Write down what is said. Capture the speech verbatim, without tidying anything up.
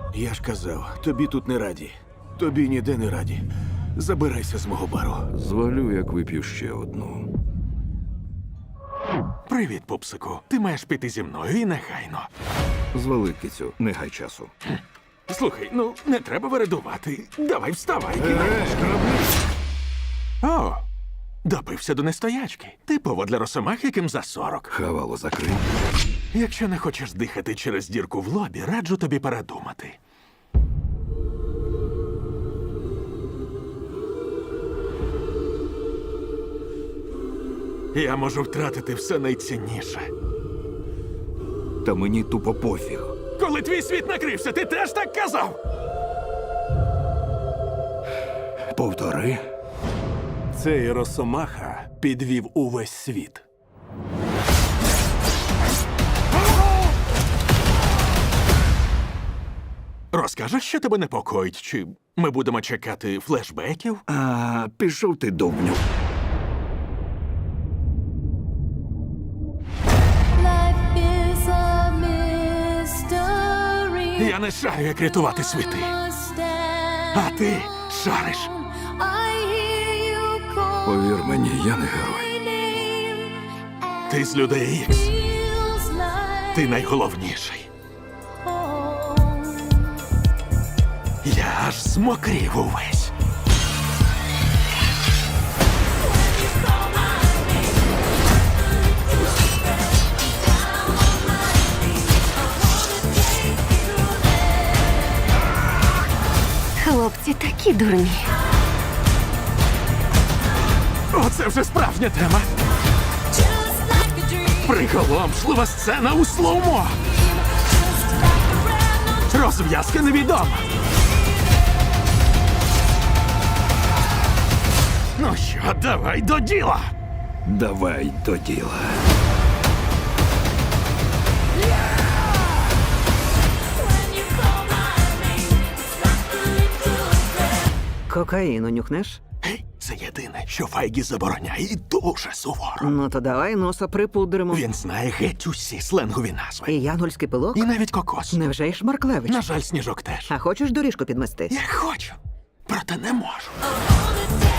Я ж казав, тобі тут не раді. Тобі ніде не раді. Забирайся з мого бару. Звалю, як вип'ю ще одну. Привіт, пупсику. Ти маєш піти зі мною і негайно. Звали, кицю, не гай часу. Слухай, ну не треба вередувати. Давай вставай. О, допився до нестоячки. Типово для росомах, яким за сорок. Хавало закрий. Якщо не хочеш дихати через дірку в лобі, раджу тобі передумати. Я можу втратити все найцінніше. Та мені тупо пофіг. Коли твій світ накрився, ти теж так казав? Повтори. Цей Росомаха підвів увесь світ. Розкажеш, що тебе непокоїть? Чи ми будемо чекати флешбеків? А, пішов ти, довбню. Life is a mystery. Я не шарю, як рятувати світи. А ти шариш. I hear you call Повір мені, я не герой. my name. Ти з людей Ікс. Feels like Ти найголовніший. home. Я аж змокрів увесь. Хлопці такі дурні. Оце вже справжня тема. Just like a dream. Приголомшлива сцена у слоумо. Just like a brand new Розв'язка невідома. Ну що, давай до діла. Давай до діла. when you call my name. It's like a little breath. Кокаїну нюхнеш? Гей, це єдине, що Файгі забороняє і дуже суворо. Ну то давай носа припудримо. Він знає геть усі сленгові назви. І янгольський пилок? І навіть кокос. Невже й Шмарклевич? На жаль, сніжок теж. А хочеш доріжку підмести? Я хочу, проте не можу. I wanna take